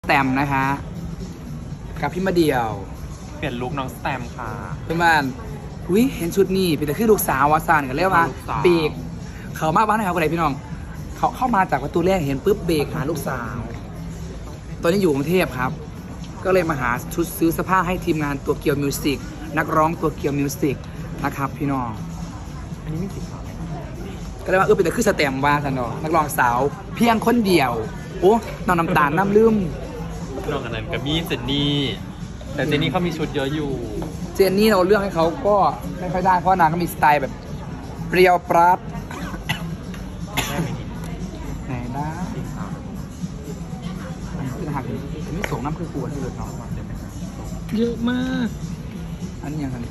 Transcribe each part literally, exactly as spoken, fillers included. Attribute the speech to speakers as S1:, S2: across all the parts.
S1: แตมนะคะกับพี่มาเดียว
S2: เปลี่ยนลุคน้องสแตมค่ะ
S1: เพื่อนบ้านอุ้ยเห็นชุดนี้เป็นแต่คือลูกสาววาซานกันเรียกว่าเบรกเขามาบ้านไหนเขาอะไรพี่น้องเขาเข้ามาจากประตูแรกเห็นปุ๊บเบรกหาลูกสาวตอนนี้อยู่กรุงเทพครับก็เลยมาหาชุดซื้อเสื้อผ้าให้ทีมงานตัวเกียวมิวสิกนักร้องตัวเกียวมิวสิกนะครับพี่น้อง
S2: อันนี้ไม่สีขาว
S1: ก็เลยว่าเออเป็นแต่คือสแตมว่าสันเนาะนักร้องสาวเพียงคนเดียวโอ้น้องน้ำตาลน้ำลืม
S2: น้องอันนั้นกับมี่เจนนี่แต่เจนนี่เขามีชุดเยอะอยู่
S1: เจนนี่เราเลือกให้เขาก็ไม่ค่อยได้เพราะนางก็มีสไตล์แบบเปรี้ยวปราดไหนนะคือหักนี่ส่งน้ำคือกวนที่เลยเนาะเยอะมากอันนี้ยังไง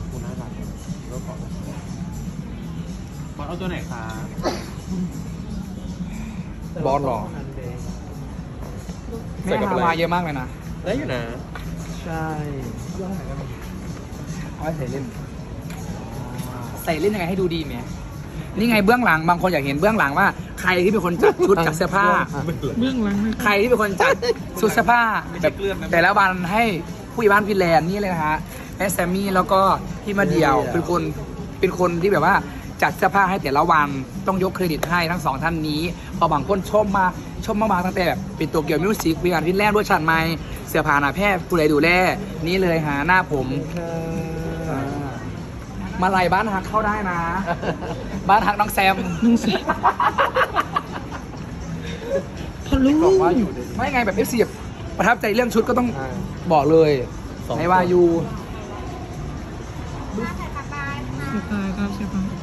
S2: บอสเอาตัวไหนคะ
S1: บอสหรอแม่ฮาวายเยอะมากเลยนะ
S2: ได้อยู่นะใช่
S1: เอาไว้ใส่เล่นใส่เล่นยังไงให้ดูดีไหมนี่ไงเบื้องหลังบางคนอยากเห็นเบื้องหลังว่าใครที่เป็นคนจัดชุดจัดเสื้อผ้าเบื้องหลังใครที่เป็นคนจัดชุดเสื้อผ้าแบบแต่ละวันให้ผู้ใหญ่บ้านฟินแลนด์นี่เลยนะฮะแม่แซมมี่แล้วก็พี่มาเดียวเป็นคนเป็นคนที่แบบว่าจัดเสื้อผ้าให้แต่ละวันต้องยกเครดิตให้ทั้งสองท่านนี้พอบางคนชมมาชมมากๆตั้งแต่แบบเป็นตัวเกี่ยวมิวสิกวิการฟินแลนด์ด้วยชันไม้เสื้อผ้าหน้าแพทย์ผู้ใดดูแลนี่เลยหาหน้าผมมาไล่บ้านฮักเข้าได้นะบ้านฮักน้องแซมน้องแซมพอรู้ไม่ไงแบบเอฟซีประทับใจเรื่องชุดก็ต้องบอกเลยในวายู
S3: ตายครับใช่ปะ